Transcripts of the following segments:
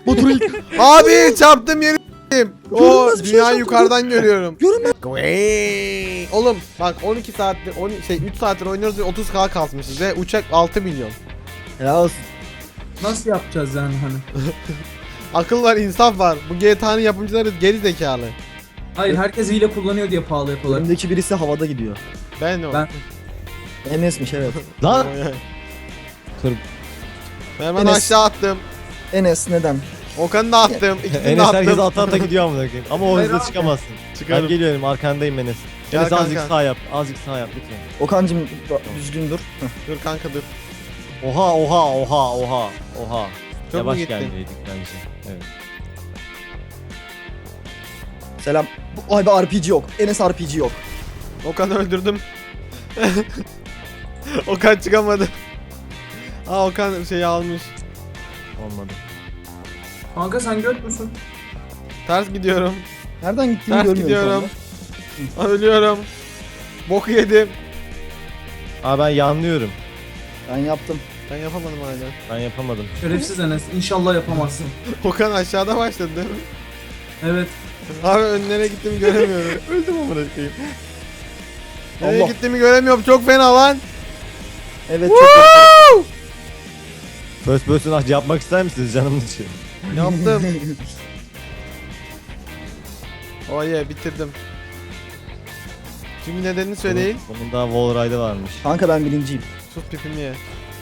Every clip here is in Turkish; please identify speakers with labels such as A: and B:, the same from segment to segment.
A: Batur ilk.
B: Abi çarptım yeri s**eyim. O
A: Görünmez bir şey
B: dünyayı
A: çarptı,
B: yukarıdan görüyorum.
A: Görünmez.
B: Oğlum bak 12 saattir 3 saattir oynuyoruz ve 30k kasmışız ve uçak 6 milyon.
A: Ya olsun.
C: Nasıl yapacağız yani hani?
B: Akıl var, insaf var. Bu GTA'nın yapımcıları geri zekalı.
C: Hayır, herkes hile kullanıyor diye pahalı yapıyorlar.
A: Önümdeki birisi havada gidiyor.
B: Ben o.
C: Ben-
A: Enes'miş evet.
D: Lan. Kır.
B: Ben
A: Enes.
B: aşağı attım.
A: Enes neden?
B: Okan'ı da attım. İkisini de
D: Enes herkes
B: attım.
D: ata gidiyor amına koyayım. Ama o
C: Hayır
D: hızla
C: abi.
D: çıkamazsın.
B: Çıkarım.
D: Ben geliyorum arkandayım Enes.
B: Gel
D: Enes azıcık
B: kanka.
D: sağ yap. Azıcık sağ yap lütfen.
A: Okan'cım düzgün dur. Heh.
B: Dur kanka dur.
D: Oha oha oha oha oha.
B: Çok mu
D: Yavaş
B: gittin?
D: gelmeliydik bence. Evet.
A: Selam. Ay be RPG yok. Enes RPG yok.
B: Okan'ı öldürdüm. Okan çıkamadı. Aa Okan şeyi almış.
D: Olmadı.
C: Kanka sen göt müsün?
B: Ters gidiyorum.
A: Nereden gittiğini
B: Ters
A: görmüyorum
B: gidiyorum. Ölüyorum. Boku yedim.
D: Aa ben yanlıyorum.
A: Ben yaptım.
B: Ben yapamadım hala.
D: Ben yapamadım.
C: Şerefsiz Enes. İnşallah yapamazsın.
B: Okan aşağıda başladı değil mi?
C: Evet.
B: Abi önlere gittiğimi göremiyorum.
D: Öldüm amına koyayım.
B: Nereye
A: Allah.
B: gittiğimi göremiyorum. Çok fena lan.
A: Evet çok
D: First person yapmak ister misiniz canımın için?
B: Yaptım. Oh yeah bitirdim. Çünkü nedenini söyleyin.
D: Bunun daha wall ride'ı varmış.
A: Kanka ben birinciyim.
B: Sus pipimi ye.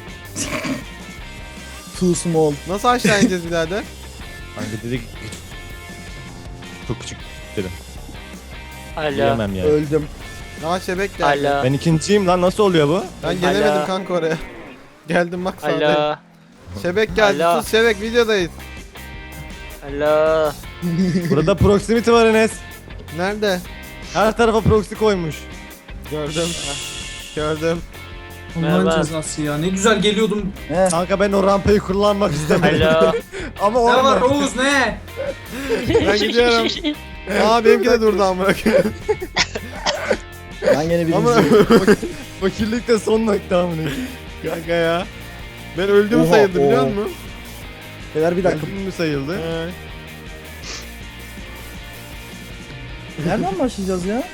A: Too small.
B: Nasıl aşağı ineceğiz birader?
D: Kanka dedik çok küçük dedim.
E: Alo.
D: Diyemem yani.
A: Öldüm.
B: Aa şebek geldi.
E: Alo.
D: Ben ikinciyim lan nasıl oluyor bu?
B: Ben gelemedim
E: Alo.
B: kanka oraya. Geldim bak sağdayım.
E: Alo.
B: Şebek geldi.
E: Alo.
B: Sus şebek videodayız.
E: Alo.
D: Burada proximity var Enes.
B: Nerede?
D: Her tarafa proxy koymuş.
B: Gördüm. Gördüm.
C: Allah'ın
E: Merhaba.
C: cezası ya. Ne güzel geliyordum.
A: He.
D: Kanka ben o rampayı kullanmak istemedim.
E: Alo.
D: Ama
C: Ne var
D: orada.
C: Oğuz ne?
B: Ben gidiyorum. Aa benimki de durdu amına koyayım.
A: Ben gene
B: Ama
A: birinciyim.
D: Fakirlik de son nokta amına.
B: kanka ya. Ben öldüm
A: Oha,
B: sayıldı biliyor
A: oha.
B: musun?
A: Beyler bir dakika.
D: Öldüm mü sayıldı?
B: He.
A: Nereden başlayacağız ya?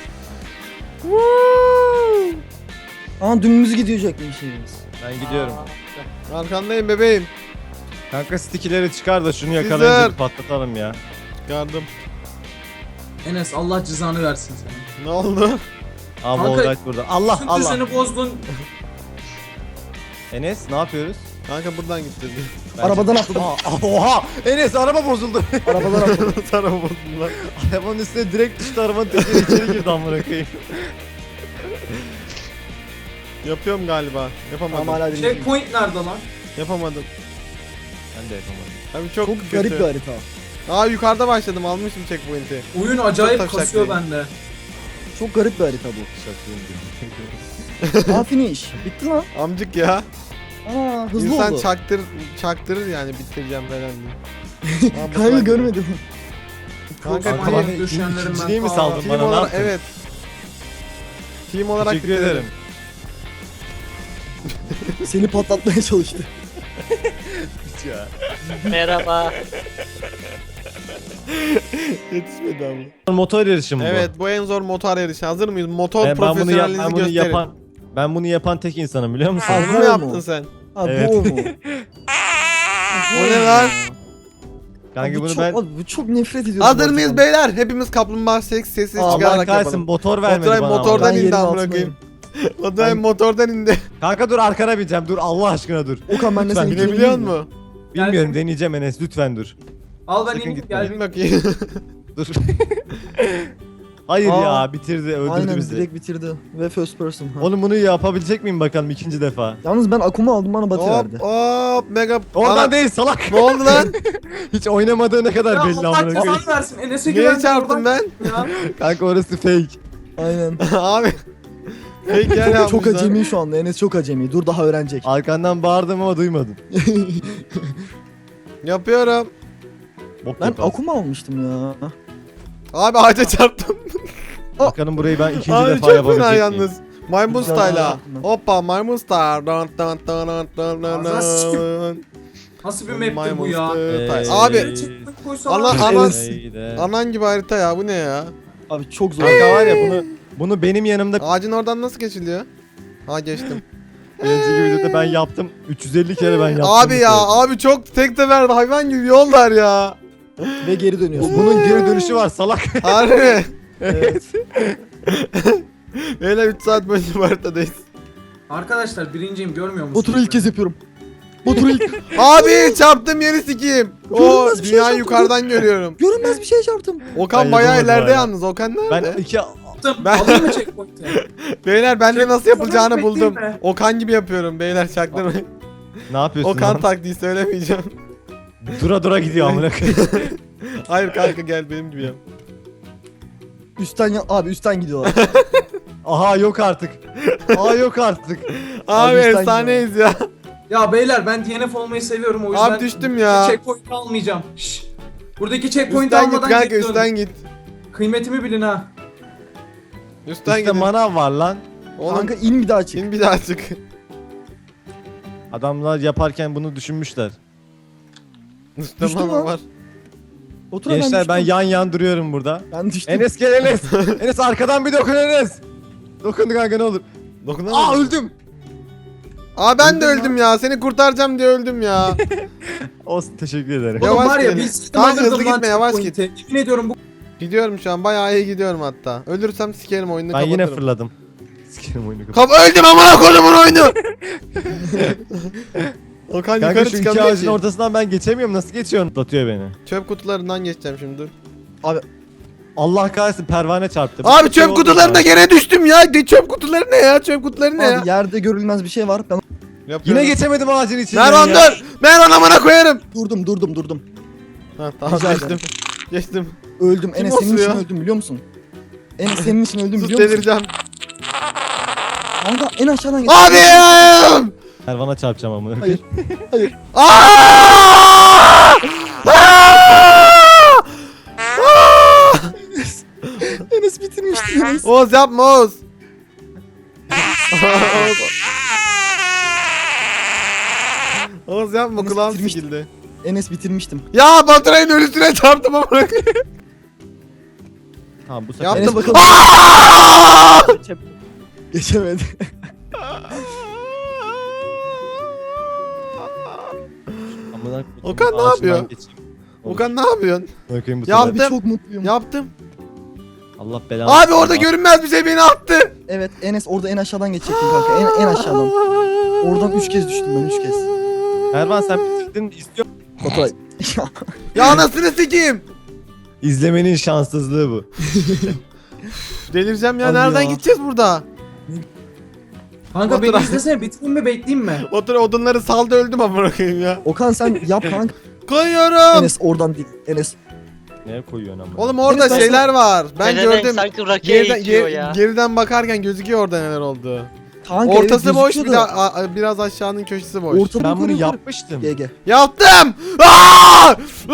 A: Aa dümdüz gidecekmişiz.
D: Ben gidiyorum.
B: Arkandayım bebeğim.
D: Kanka sticky'leri çıkar da şunu
B: Sizler.
D: yakalayınca bir patlatalım ya.
B: Yardım.
C: Enes Allah cezanı versin sana.
B: Ne oldu?
D: Aa
C: Kanka,
D: wall ride burada. Allah
C: Bütün
D: Allah.
C: düzeni bozdun.
D: Enes ne yapıyoruz?
B: Kanka buradan gitti.
A: Arabadan atladım.
D: Oha! Enes araba bozuldu.
A: Arabadan atladım.
B: Sana bozdular.
D: Arabanın üstüne direkt düştü arabanın tekeri içeri girdi amına koyayım.
B: Yapıyorum galiba. Yapamadım.
A: Ama hala birinciyim.
C: Checkpoint nerede lan?
B: Yapamadım.
D: Ben de yapamadım.
B: Abi çok,
A: Çok
B: kötü.
A: garip bir harita.
B: Aa yukarıda başladım almışım checkpoint'i.
C: Oyun acayip
B: Çok
C: kasıyor
B: taşak
C: bende.
A: Çok garip bir harita bu.
D: Şakayım
A: Aa finish. Bitti lan.
B: Amcık ya.
A: Aa hızlı
B: İnsan
A: oldu.
B: çaktırır yani bitireceğim falan diye. Aa, bu
A: Kanka
B: slide-
A: görmedim.
B: Kanka
C: Çok
D: Kanka
C: manyak
D: bana
C: düşenlerim
D: ikinciliği
C: ben.
D: mi saldın
B: team
D: bana ne
B: olarak
D: yaptın?
B: evet. Team olarak
D: Teşekkür
B: bitirdim.
D: ederim.
A: Seni patlatmaya çalıştı.
D: Ya.
E: Merhaba.
B: Yetişmedi ama.
D: Motor yarışı mı bu?
B: Evet bu en zor motor yarışı. Hazır mıyız? Motor
D: Ben bunu,
B: profesyonelliğinizi
D: ben bunu
B: gösterin.
D: yapan tek insanım biliyor musun?
A: Abi,
B: Bunu mu
A: bu
B: yaptın
A: mu?
B: sen?
A: Ha
D: Evet.
A: bu o mu?
B: O ne lan?
D: Kanka
A: Abi
D: bunu
A: çok,
D: ben
A: abi bu çok nefret ediyorum.
B: Hazır
A: bu
B: mıyız
A: haritadan.
B: beyler? Hepimiz kaplumbağa sesi
A: Allah
D: Allah
B: çıkararak
D: kahretsin
B: yapalım.
D: motor vermedi
B: Oturay
D: bana.
B: motordan
A: Ben
B: indi
A: yerin
B: amına
A: altındayım.
B: koyayım. Oturay
A: Ben-
B: motordan indi.
D: Kanka dur arkana bineceğim dur Allah aşkına dur.
A: Okan ben de
D: Lütfen
A: seni
B: Binebiliyor musun?
D: Bilmiyorum deneyeceğim Enes lütfen dur.
C: Al ben
D: Sakın
C: ineyim
D: gitme.
C: gel.
B: Bin bakayım.
D: Dur. Hayır
A: Aa,
D: ya bitirdi öldürdü
A: Aynen
D: bizi.
A: direkt bitirdi. Ve first person. Ha.
D: Oğlum bunu yapabilecek miyim bakalım ikinci defa.
A: Yalnız ben Akuma aldım bana batı verdi.
B: hop hop mega.
D: Oradan
B: Ana-
D: değil salak.
B: Ne oldu lan?
D: Hiç oynamadığı ne kadar
C: Ya
D: belli
C: Allah
D: amına koyayım.
C: cezanı versin. Enes'e
B: Niye
C: güvendim.
B: çarptım ben?
C: Ya.
D: Kanka orası fake.
A: Aynen.
B: Abi. Fake yer
A: Çok, çok
B: yapmışlar.
A: acemi şu anda. Enes çok acemi. Dur daha öğrenecek.
D: Arkandan bağırdım ama duymadım.
B: Yapıyorum.
D: Bok
A: Ben
D: yaparsın.
A: Akuma almıştım ya.
B: Abi ağaca çarptım.
D: Bakalım burayı ben ikinci
B: Abi
D: defa
B: çok
D: yapabilecek
B: fena
D: miyim?
B: yalnız. Maymun
A: Güzel
B: style'a.
A: yaptın.
B: Hoppa maymun style. Dun dun dun dun dun dun
C: Ağzına
B: dun.
C: Nasıl bir map'tir bu ya?
B: Abi
C: Koysa
B: Allah
C: var.
B: anan
D: Enes.
B: anan gibi harita ya, bu ne ya?
A: Abi çok zor.
D: Kanka var ya bunu benim yanımda
B: Ağacın oradan nasıl geçiliyor? Ha geçtim.
D: önceki videoda ben yaptım. 350 kere ben yaptım.
B: Abi
D: bu
B: ya
D: sefer.
B: abi çok tek sefer hayvan gibi yollar ya.
A: Ve geri dönüyorsun.
D: Bunun geri dönüşü var salak.
B: Harbi.
D: Evet.
B: Böyle 3 saat boyunca bu haritadayız.
C: Arkadaşlar birinciyim, görmüyor musunuz?
A: Bu turu ilk kez yapıyorum. Bu turu ilk.
B: Abi çarptım yeri sikeyim. O
A: Görünmez bir şey
B: dünyayı
A: çarptım.
B: yukarıdan görüyorum.
A: Görünmez bir şey çarptım.
B: Okan
D: Ben
B: bayağı
D: yapamadım
B: ileride
D: hala.
B: yalnız. Okan
D: Ben
B: nerede?
D: iki
C: Yaptım.
B: Ben-
C: Alayım mı checkpoint'i?
B: Beyler ben de nasıl
C: Checkpoint
B: yapılacağını
C: sonra
B: buldum.
C: bekleyeyim mi?
B: Okan gibi yapıyorum beyler, çaktırmayın.
D: ne yapıyorsun?
B: Okan
D: lan?
B: taktiği söylemeyeceğim.
D: Dura dura gidiyor amına koyayım.
B: Hayır kanka gel benim gibi yap.
A: Üstten abi üstten gidiyorlar.
D: Aha yok artık. Aha yok artık.
B: Abi
A: üstten
B: efsaneyiz ya.
C: Ya beyler ben DNF olmayı seviyorum, o yüzden
B: Abi düştüm ya.
C: checkpoint'i almayacağım. Şşş. Buradaki checkpoint'i
B: Üstten git
C: almadan
B: kanka,
C: geri dön.
B: üstten git.
C: Kıymetimi bilin ha.
B: Üstten
D: İşte
B: git.
D: manav var lan.
B: Oğlum
A: Kanka in bir daha çık.
B: in bir daha çık.
D: Adamlar yaparken bunu düşünmüşler.
B: Üstte
A: Düştüm
B: mama
A: lan.
B: var.
A: Otur
D: Gençler ben
A: düştüm.
D: yan yan duruyorum burada.
A: Ben düştüm.
D: Enes gel Enes. Enes arkadan bir dokun Enes. Dokun kanka ne olur.
B: Dokunamadım.
D: öldüm.
B: Aa ben de
A: Öldüm
B: öldüm ya. Seni kurtaracağım diye öldüm ya.
D: Olsun teşekkür ederim.
B: Yavaş
C: Oğlum var ya
B: gelin.
C: biz
B: Kanka hızlı gitme, yavaş git.
C: Yemin ediyorum bu
B: Gidiyorum şu an, bayağı iyi gidiyorum hatta. Ölürsem sikerim oyunu,
D: Ben
B: kapatırım.
D: yine fırladım. Sikerim oyunu kapat.
B: Öldüm amına kodumun oyunu. Okan
D: Kanka
B: yukarı
D: şu iki
B: çıkamıyor
D: ağacın
B: ki.
D: ortasından ben geçemiyorum. Nasıl geçiyorsun? Atıyor beni.
B: Çöp kutularından geçeceğim şimdi.
D: Allah kahretsin pervane çarptı.
B: Abi
D: Bir şey
B: çöp
D: oldu
B: kutularına
D: ya.
B: gene düştüm ya. Çöp kutuları ne ya? Çöp kutuları ne ya?
A: Abi yerde görülmez bir şey var. Ben
B: Yapıyorum.
D: Yine geçemedim ağacın içinden
B: Mervan
D: ya.
B: dur. Mervan amına koyarım.
A: durdum.
B: Ha tamam
A: Rica
B: geçtim.
A: ederim.
B: Geçtim.
A: Öldüm.
B: Kim
A: Enes senin
B: basıyor?
A: için öldüm biliyor musun? Enes senin için öldüm
B: Sus
A: biliyor musun?
B: delireceğim.
A: Kanka en aşağıdan geç.
B: Abi!
D: Pervana çarpacağım amına.
A: Hayır. Hayır.
B: Aa!
A: Enes bitirmişti Enes.
B: Oğuz yapma Oğuz. Oğuz yapma,
A: Enes
B: kulağım
A: bitirmişti.
B: sikildi.
A: Enes bitirmiştim.
B: Ya Baturay'ın ölüsüne çarptım ama.
D: Tamam bu sefer.
B: Yaptım.
A: Enes bakalım. Geçemedi.
D: Amına koyayım,
B: Okan ne
D: ağaçtan
B: yapıyor?
D: geçeyim.
B: Okan ne yapıyorsun?
D: Amına koyayım bu
B: Ya-
D: sefer.
A: Abi
B: Yaptım.
A: çok mutluyum.
B: Yaptım.
D: Allah belanı.
B: Abi orada
D: versin.
B: görünmez bir şey beni attı.
A: Evet Enes orada en aşağıdan geçecektin kanka. En aşağıdan. Oradan 3 kez düştüm ben 3 kez.
D: Ervan sen bitirdin istiyor.
A: Baturay.
B: Ya anasını sikeyim.
D: İzlemenin şanssızlığı bu.
B: Delireceğim ya,
A: Abi
B: nereden
A: ya.
B: gideceğiz burada?
C: kanka beni
B: Baturay.
C: izlesene, bitireyim mi bekleyeyim mi?
B: Otur odunları saldı, öldüm amına koyayım ya.
A: Okan sen yap kanka.
B: Koyuyorum.
A: Enes oradan değil. Enes.
D: Neye koyuyorsun amına?
B: Oğlum orada
A: Enes, ben
B: şeyler var. Ben
E: Pezevenk
B: gördüm.
E: sanki rakiye
B: Geriden,
E: itiyor ya.
B: geriden bakarken gözüküyor orada neler oldu.
A: Kanka
B: Ortası
A: evet,
B: boş, bir
A: gözüküyor
B: de
A: da.
B: biraz aşağının köşesi boş.
A: Ortadan
D: Ben bunu
A: yukarı-
D: yapmıştım.
A: GG.
B: Yaptım. Aa!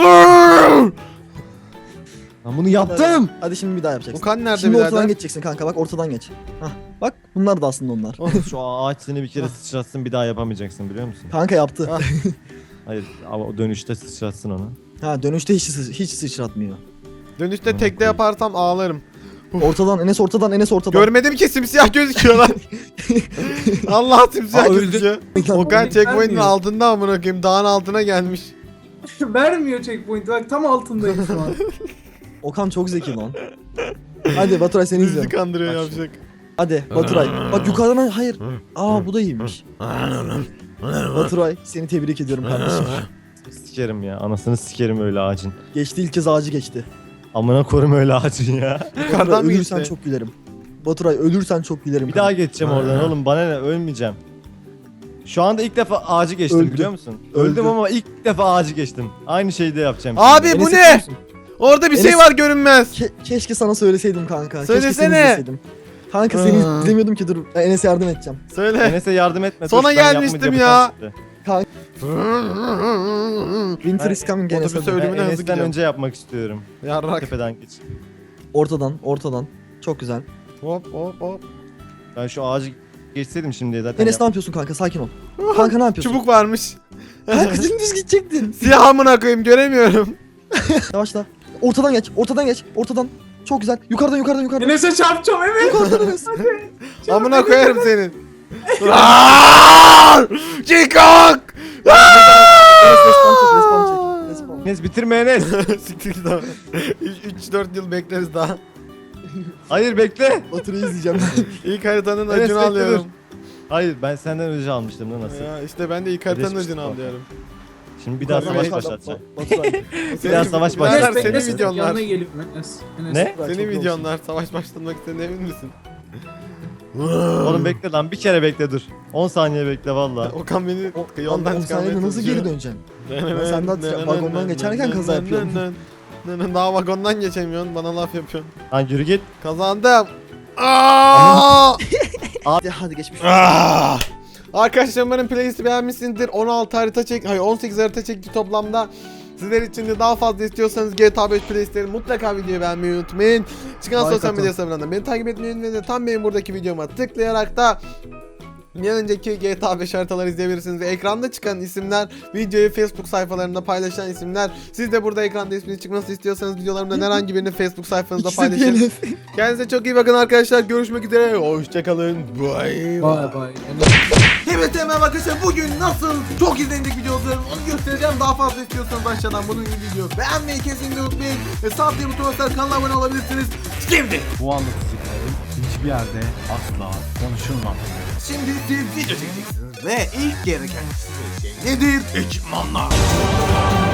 D: Ben bunu yaptım.
A: Hadi şimdi bir daha yapacaksın.
B: Okan nerede
A: Şimdi ortadan
B: birader?
A: geçeceksin kanka bak ortadan geç. Hah bak bunlar da aslında onlar.
D: Şu ağaç seni bir kere sıçratsın bir daha yapamayacaksın biliyor musun?
A: Kanka yaptı.
B: Ah.
D: Hayır ama o dönüşte sıçratsın onu.
A: Ha dönüşte hiç sıçratmıyor.
B: Dönüşte tekte yaparsam ağlarım.
A: Ortadan Enes ortadan Enes ortadan.
B: Görmedim ki, simsiyah gözüküyorlar. Allah simsiyah
D: Aa, öldü.
B: gözüküyor. Okan
C: Oğlum,
B: checkpoint'in
C: vermiyor.
B: altında amına koyayım, dağın altına gelmiş.
C: Vermiyor checkpoint, bak tam altındayım şu an.
A: Okan çok zeki lan. Hadi Baturay seni
B: Bizi
A: izliyorum.
B: kandırıyor
D: Bak
B: yapacak.
A: Hadi Baturay. Bak yukarıdan hayır. Aa bu da iyiymiş. Baturay seni tebrik ediyorum kardeşim.
D: Sikerim ya anasını sikerim öyle ağacın.
A: Geçti ilk kez ağacı geçti.
D: Amına korum öyle ağacın ya.
B: Yukarıdan
A: Baturay
B: mı
A: ölürsen
B: geçti?
A: çok gülerim. Baturay ölürsen çok gülerim.
D: Bir
A: kanka.
D: daha geçeceğim oradan oğlum bana ne ölmeyeceğim. Şu anda ilk defa ağacı geçtim
A: Öldü.
D: biliyor musun?
A: Öldü.
D: Öldüm ama ilk defa ağacı geçtim. Aynı şeyi de yapacağım.
B: Abi
D: şimdi.
B: bu
A: Enes
B: ne?
A: yapıyor musun?
B: Orada bir şey
A: Enes-
B: var görünmez.
A: Keşke sana söyleseydim kanka. Keşke
B: Söylesene.
A: seni izleseydim. Kanka seni izlemiyordum ki dur. Ben Enes'e yardım edeceğim.
B: Söyle.
D: Enes'e yardım etme.
B: Sona
D: dur, ben
B: gelmiştim
D: yapmayacağım,
B: ya.
D: yapacağım
A: Winter is coming Enes.
B: Otobüse
A: hadi.
B: öyle-
D: şimdi.
B: Ölümüne
D: Ben
B: hızlı
D: Enes'ten
B: gidiyorum.
D: önce yapmak istiyorum.
B: Yarrak.
D: Tepeden geç.
A: Ortadan. Çok güzel.
B: Hop hop hop.
D: Ben şu ağacı Geçseydim şimdi zaten.
A: Enes ne yapıyorsun kanka? Sakin ol. Kanka ne yapıyorsun?
B: Çubuk varmış.
A: Kanka dümdüz gidecektin.
B: Siyah amına koyayım göremiyorum.
A: Yavaşla. Ortadan geç. Ortadan geç. Ortadan. Çok güzel. Yukarıdan yukarıdan yukarıdan.
C: Enes'e çarpacağım evet.
A: Yukarıdan Enes.
B: Amına koyarım senin. Çıkak!
A: Enes respawn çek. Respawn çek. Respawn.
D: Enes bitirme Enes.
B: Siktir git abi. 3-4 yıl bekleriz daha.
D: Hayır bekle.
A: Baturayı izleyeceğim.
B: İlk haritanın
D: Enes,
B: acını
D: bekle,
B: alıyorum.
D: Hayır ben senden önce almıştım da nasıl?
B: Ya işte ben de ilk haritanın
D: Geçmiş
B: acını
D: olsun.
B: alıyorum.
D: Şimdi bir daha savaş
A: Yukarıdan
D: başlatacağım.
A: Baturay.
D: Bir daha savaş
B: Birader,
D: başlatacağım.
B: senin
C: Enes,
B: videonlar.
C: Yanına gelip Enes.
D: Ne?
A: Çok
B: Senin
A: iyi
B: videonlar savaş başlatmak istediğine emin misin?
D: Oğlum bekle lan bir kere bekle dur. 10 saniye bekle valla.
B: Okan beni
A: O-
B: yoldan
A: Oğlum,
B: çıkarmaya
A: saniyede nasıl
B: çalışıyor.
A: geri döneceksin? sen daha vagondan geçerken kaza yapıyorsun.
B: Daha vagondan geçemiyorsun, bana laf yapıyorsun.
D: Lan yürü git.
B: Kazandım. Aa!
A: Hadi geçmiş.
B: Arkadaşlar umarım playlisti beğenmişsinizdir. 16 harita çek, hayır 18 harita çekti toplamda. Sizler için de daha fazla istiyorsanız GTA 5 playlistleri mutlaka videoyu beğenmeyi unutmayın. Çıkan
A: Like
B: sosyal
A: atın.
B: medya hesaplarından beni takip etmeyi unutmayın ve tam benim buradaki videoma tıklayarak da bir önceki GTA 5 haritaları izleyebilirsiniz ve ekranda çıkan isimler, videoyu Facebook sayfalarında paylaşan isimler. Siz de burada ekranda ismini çıkmasını istiyorsanız videolarımdan herhangi birini Facebook sayfanızda
A: İkisi
B: paylaşın.
A: DNF.
B: Kendinize çok iyi bakın arkadaşlar. Görüşmek üzere. Hoşçakalın. Bye.
C: Bay bay.
B: Evet hemen arkadaşlar bugün nasıl çok izlenecek video olsun onu göstereceğim. Daha fazla istiyorsanız aşağıdan bunun gibi video beğenmeyi kesinlikle unutmayın. Ve sağ tıklayıp butonuna basarak kanala abone olabilirsiniz. Şimdi
F: Bu anlatacaklarım hiçbir yerde asla konuşulmaz.
B: siz video çekeceksiniz ve ilk gereken şey nedir? Ekipmanlar.